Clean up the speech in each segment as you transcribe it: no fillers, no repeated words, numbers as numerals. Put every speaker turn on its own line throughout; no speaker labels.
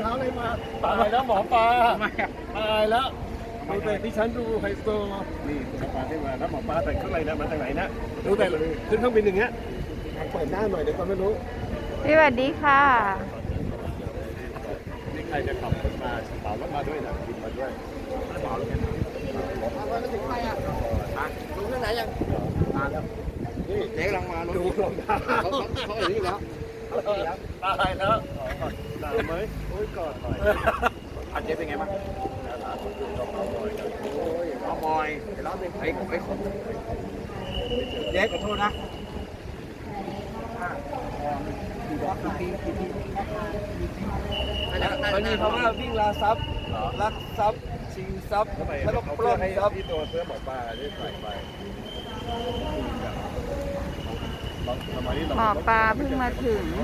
ท้าอะไรมาตายแล้วหมอปลา
ทำไมอ่ะ
ตายแล้วดูแต่ที่ฉันดูไฮโซนี่หมอปลาที่มาแล้วหมอปลาแต่งเครื่องอะไรนะมาจากไหนนะดูแต่ขึ้นเครื่องบินอย่างเงี้ยเปิดหน้าหน่อยเดี๋ยวก็ไม่รู้
สวัสดีค่ะ
นี่ใครจะขับรถมาเหมารถมาด้วยนะบินมาด้วยเหมารถกันมาถึงไปอ่ะดูเรื่องไหนยังมาแล้วนี่เจ๊กำลังมาดูรองเท้าเขาอย่างนี้แล้วตายแล้วหนาวไหมโอ้ยกอดหน่อย
อันเจ๊เป็นไงบ้างเอาบอยไอ้คนเจ๊ขอโทษนะ
มันมีคำว่าวิ่งลาทรัพย์ลักทรัพย์ชิงทรัพย์
ทำไม
แล้วก็
เขา
ปล้น
ให้
ทรัพย์
ที่ตัวเสื้อหมอปลาที่ใส่ไปทำไมนี่
หมอปลาเพิ่งมาถึง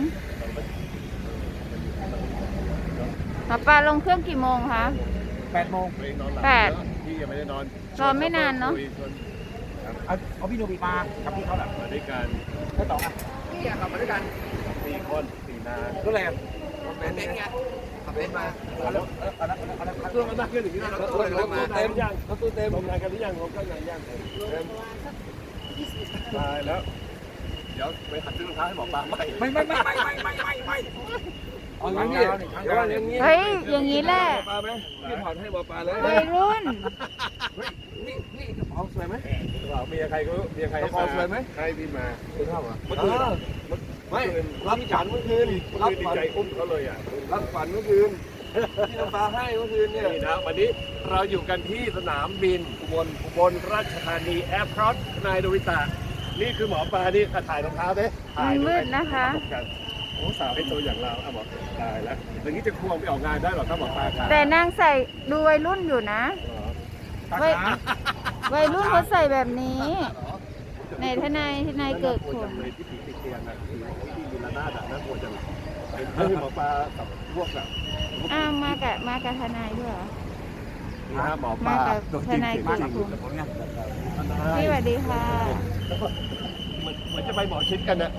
หมอปลาลงเครื่องกี่โมงคะ
8 โมง
พี่ยังไม่ได้นอน
รอไม่นานเนอะ
เอาพี่โนบิมากับพี่เขาแหละ
มาด้วยกัน
ไม่ต่ออ่ะพี่ขับมาด้วยกัน
4 คน 4 นาน
ก็เลย
เป็นไงขับเป็นมา
เครื่องมันนั่งขึ้นอย่างนี้นะรถเต็มยังรถตู้เต็มลงงานกันหรือยังลงกันยังเต็มตายแล้วเดี๋ยวไปหัดซื้อรองเท้าให้หมอปลาใหม่
ไม่
เอาอย่างนี้เดี๋ยวว่าอย่างนี้
เฮ้ย อย่างนี้แหละ
หมอปลาไหมพี่ถอดให้หมอปลาเลย
วัยรุ่น
นี่กระเป๋าสวยไหม
เมียใครก็เมียใครให้มาให้พี่มา
คุณเท่าอ่ะเมื่อคืนไม่รับฝันเมื่อคืน
รับดีใจอุ้มเขาเลยอ่ะ
รับฝันเมื่อคืนที่น้ำปลาให้เมื่อคืนเนี่ย
นี่นะวันนี้เราอยู่กันที่สนามบินอุบลราชธานีแอร์พอร์ตนายโดริตะนี่คือหมอปลานี่ถ่ายรองเท้าไหมถ่าย
มันมืดนะคะ
โอ้สาวให้ตัวอย่างเราอ่ะหมอตายแล้วอย่างนี้จะควงไปออกงานได้หรอถ้าหมอปลาขา
แต่นางใส่ดูวัยรุ่นอยู่นะ วัยวัยรุ่นเขาใส่แบบนี้ในทนายเกิดผล
เลยที่ผีติดเตียงนะที่มีระนาดน่ากลัวจังให้หมอปลากับพวกอ่ะ
อ้าวมากับทนายด้วยเหรอ
นี่ฮะหมอปลาตัวจริงเสียงจริง
พี่สวัสดีค่ะ
เหมือนจะไปหมอชิดกันนะ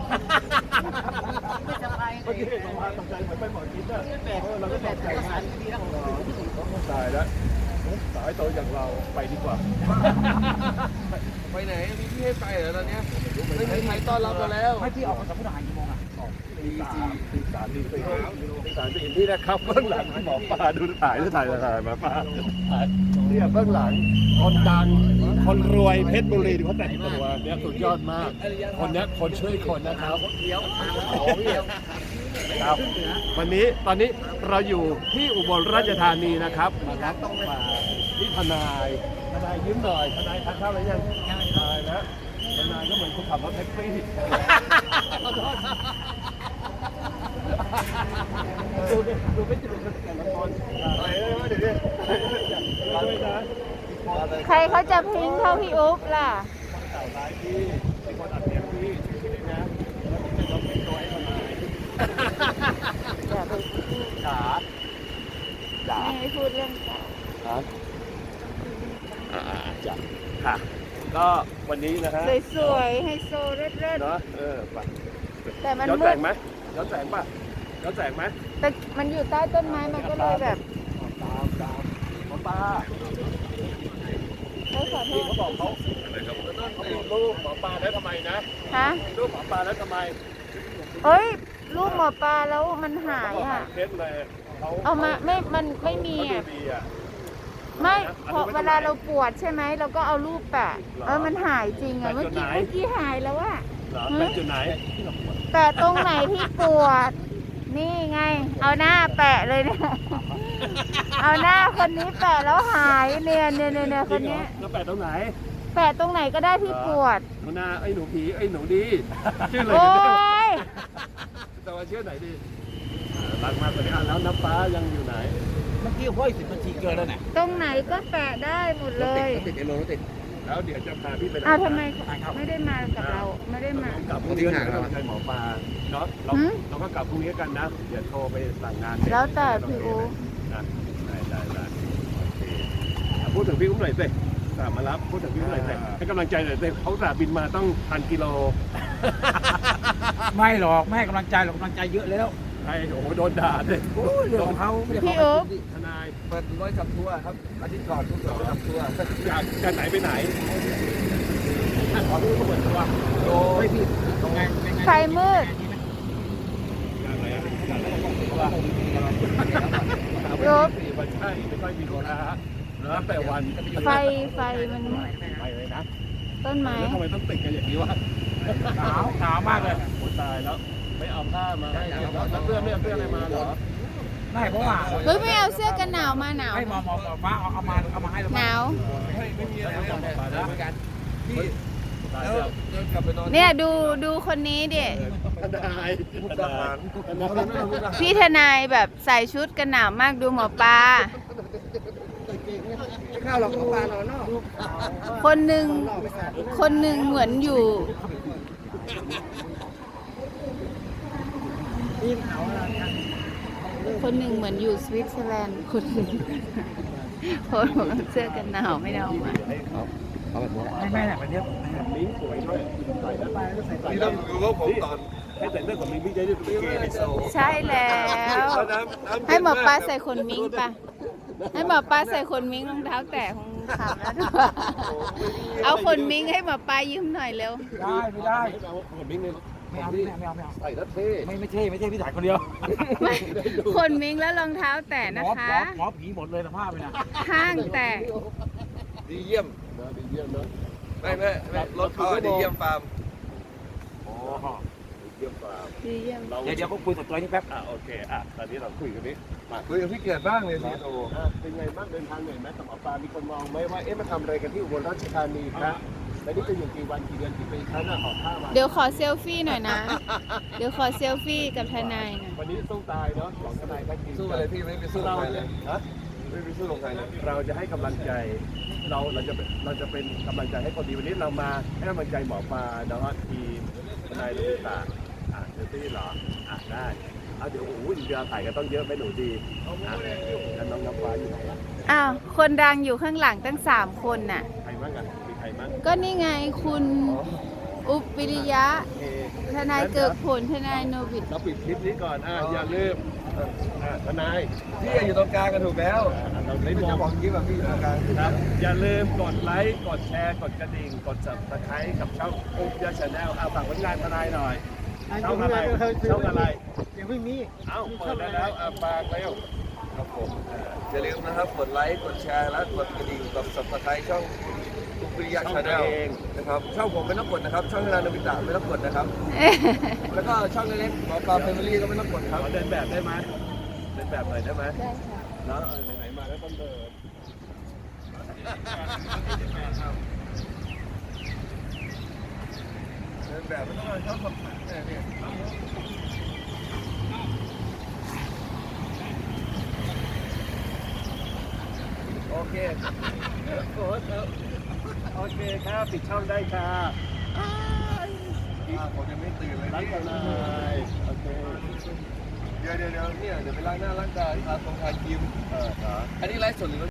เมื่อกี้หมอปลาตกใจเหมือนไปหมอชิดอ่ะเราก็ตกใจตายแล้วสายโตอย่างเราไปดีกว่า
ไปไหนมีพี่ให้ไปเหรอตอนเนี้ยไม่มีใครต้อนรับเราแล้ว
ไม่พี่ออกมาจากพุทธหารกี่โมงอ่ะ
ตี3 ตี4นี่นะครับเบื้องหลังหมอปลาดูถ่ายหมอปลาเนี่ยเบื้องหลังคนดังคนรวยเพชรบุรีเขาแต่งตัวเนี่ยสุดยอดมาก คนนี้คนช่วยคนนะครับครับวันนี้ตอนนี้เราอยู่ที่อุบลราชธานีนะครับมาที่ทนายยิ้มหน่อยทนายทานข้าวอะไรยังทนายนะทนายก็เหมือนคนขับรถแท็กซี่ดูไม่จุดกันแต่ละคนไปเลยเดี๋ยวนี้นะ
ใครเขาจะพิงเท่าพี่อุ๊บล่ะ
เต่าร้ายพี่เป็นคนอัดเสียงพี่ชื่อนะแล้วผมจะต้องเป็นตัวไอ้ทนายจ๋า
ไม่ให้พูดเรื่องเก่า
ครับจ้ะค่ะก็วันนี้นะฮะ
สวยๆไฮโซเลิศ
เนาะไป
ๆแต่มัน
ย้อน
มื
แส
ด
งไหมย้อนแสงป่ะย้อนแสงไหม
แต่มันอยู่ใต้ต้นไม้มันก็เลยแบบ
ตามหมอปลา
เขาขอโท
ที่
ษ
เขาบอกเขามีรูปหมอปลาแล้วทำไมนะ
ฮะ
มีรูปหมอปลาแล้วทำไม
เอ้ยลูกหมอปลาแล้วมันหายอ่ะ
เคสเลยเขา
เอามามันไม่มี
เขาดู
อ่ะ
ดีอ่ะ
ไม่เพราะเวลาเราปวดใช่ไหมเราก็เอารูปแปะมันหายจริงอ่ะเมื่อกี้หายแล้วอ่ะ
เหรอเป็นจุดไหน
แปะตรงไหนที่ปวด นี่ไง เอาหน้าแปะเลยเนี่ย เอาหน้าคนนี้แปะแล้วหายเนี่ยคนนี้
แล้วแปะตรงไหน
แปะตรงไหนก็ได้ที่ปวด
หน้าไอ้หนูผีไอ้หนูดีชื่อเลย
โอ้ย
แต่ว่าชื่อไหนดีรักมากกว่านี้แล้วน้ำฟ้ายังอยู่ไหน
เมื่อกี้ห้อย10 นาทีเกินแล้วเนี่ย
ตรงไหนก็แปะได้หมดเลย
ติดรถติด
แล้วเดี๋ยวจะพาพี่ไป
อ้าวทำไมไม่ได้มากับเราไม่ได้มา
กลับพรุ่งนี้กันนะหมอปลาเนาะเราก็กลับพรุ่งนี้กันนะเดี๋ยวโทรไปสั่งงาน
แล้วแต่พี่อู๋
นะได้พูดถึงพี่อุ้มหน่อยสิมารับพูดถึงพี่อุ้มหน่อยสิให้กำลังใจหน่อยสิเขาสาบินมาต้อง1,000 กิโล
ไม่หรอกไม่ให้กำลังใจหรอกกำลังใจเยอะแล้ว
ใครโอ้โหโดนด่าเลย
โอ้ยเรื่องของเขา
พี่อุ๊บ
ทนาย
เปิดร้อยขับทัวร์ครับอาทิตย์ก่อนทุกร้อยขับทัวร์
จากไหนไปไหนขอดูก็เหมือนตัว
โดยพี่ตรงไง
ไฟมืด
จากไหนอะจากไหนก็ตัว
อุ๊บ
วันใช่ไม่ค่อยมีโลนะฮะแล้วแต่วัน
ไฟมัน
ไปเลยนะ
ต้นไม้
แล้วทำไมต้องติดกันอย่างนี้วะหนาวมากเลยโอ้ตายแล้วไม่เอาผ้ามาให้แล้วเสื้อไม่เอาเสื้ออะไรมาเหรอ
ไม่เพราะว่า
เฮ้ยไม่เอาเสื้อกันหนาวมาหนาว
ให้มอฟ้าเอามาให้เรา
หนาว
ไม่มีอะไรแล้วกันพี่
ตาย
แล้ว
แล้ว
เดินกลับไปนอน
เนี่ยดูคนนี้ดิ
ทนาย
มุกดาหาร
พี่ทนายแบบใส่ชุดกันหนาวมากดูหมอปลา
ไม่ข้าวหรอกปลานอนนอก
คนหนึ่งเหมือนอยู่ คนหนึ่งเหมือนอยู่สวิตเซอร์แลนด์คนหนึ่งคนบอกว่าเสื้อกันหนาวไม่ได้เอามา
ไม่แบบนี้
มิ้งสวยด้วยใส่แล้วใส่
นี่ต้องดูว่าผมตอน
ให้แต่งเรื่องของมิ้งพี่จะได้ดูเป็นเกย์ไฮโซ
ใช่แล้ว ให้หมอปลาใส่ขนมิ้งปะให้หมอปลาใส่ขนมิ้งรองเท้าแตะของขำแล้วด้วยเอาขนมิ้งให้หมอปลายืมหน่อยเร็ว
ได้ไม่ได้
เอาขนมิ้งเนี่ย
ไม่เอา
ใส่แล้วเท่
ไม่ใช่พี่ถ่ายคนเดียว
ไม่ขนมิ้งแล้วรองเท้าแตะนะคะ
หมอผีหมดเลยสภาพไปนะ
ข้างแตะ
ดีเยี่ยม
ดีเยี่ยมเนาะ
ไม่รถเขาดีเยี่ยมฟาร์ม
อ๋อเยี่ยมกว่า
ดีเยี่ยม
เดี๋ยวก็คุยกับตัวนี้แป๊บ
โอเคตอนนี้เราคุยกันนี้มา
คุยกับพี่เกียรติบ้างเลยพี่โต
เป็นไงบ้างเดินทางเหนื่อยไหมกับหมอปลามีคนมองไหมว่ามาทำอะไรกันที่อุบลราชธานีครับแล้วนี่จะอยู่กี่วันกี่เดือนกี่ปีครั้งออกผ้ามา
เดี๋ยวขอเซลฟี่หน่อยนะ เดี๋ยวขอเซลฟี่กับทนายหน่อย
วันนี้สู้ตายเนาะของทนายก็จริง
สู้อะไรพี่ไม่ไปสู้ลงใครเลย
ฮะ
ไม่ไปสู้ลงใครเลย
เราจะให้กำลังใจเราจะเป็นกำลังใจให้คนดีวันนี้เรามาให้กำลังใจหมอปลาเนาะทีมทนายลุงตาเดี๋ยวที่เหรอได้เดี๋ยวโอ้โหเวลาถ่ายก็ต้องเยอะไปหนูดีแล้วน้องน้ำฟ้าอยู่ไหน
อ้าว คนดังอยู่ข้างหลังตั้ง3 คนน่ะ
ใครบ้างอ่ะมีใครบ้าง
ก็นี่ไงคุณอุปวิริยะ
โอเค
ทนายเกิดผลทนายโนบิต
เราปิดคลิปนี้ก่อนอย่าลืมทนาย
พี่อยู่ตรงกลางกันถูกแล้ว
เราไม่
ไม่
ม
จะ
อง
บอกยิ้มแบบพี่อยู่ตรงกลาง
ครับอย่าลืมกดไลค์กดแชร์กดกระดิ่งกด Subscribe กับช่องอุ๊บยาชาแนลฝากผลงานทนายหน่อยช่องอะไรช่องอะไร
ยังไม่มี
เปิดได้แล้วฝากเร็ว
ครับผมอย่าลืมนะครับกดไลค์กดแชร์และกดกระดิ่งกด Subscribe ช่องทุกวิริยะชาแนลนะครับช่องผมไม่ต้องกดนะครับช่องนานาบิตะไม่ต้องกดนะครับแล้วก็ช่องเล็กๆหมอปลาแฟมิลี่ก็ไม่ต้องกดครับ
ขอเดินแบบได้ไหมเดินแบบหน่อยได้ไหม
ได้ค่ะ
แล้วไหนๆมาแล้วต้องเดิน
เดินแบบไม่ต้องเอาช่องคำถามเนี่ย
โอเคโอเคครับปิดช่องได้ค่ะ
ผมยังไม่ตื่นเลย
รัก
นี่
กันเลยโอเค
เดี๋ยวเนี่ยเดี๋ยวไปล้างหน้าล้างตาที่ทาครีม
ครับ
อันนี้ไลฟ์สดหรือ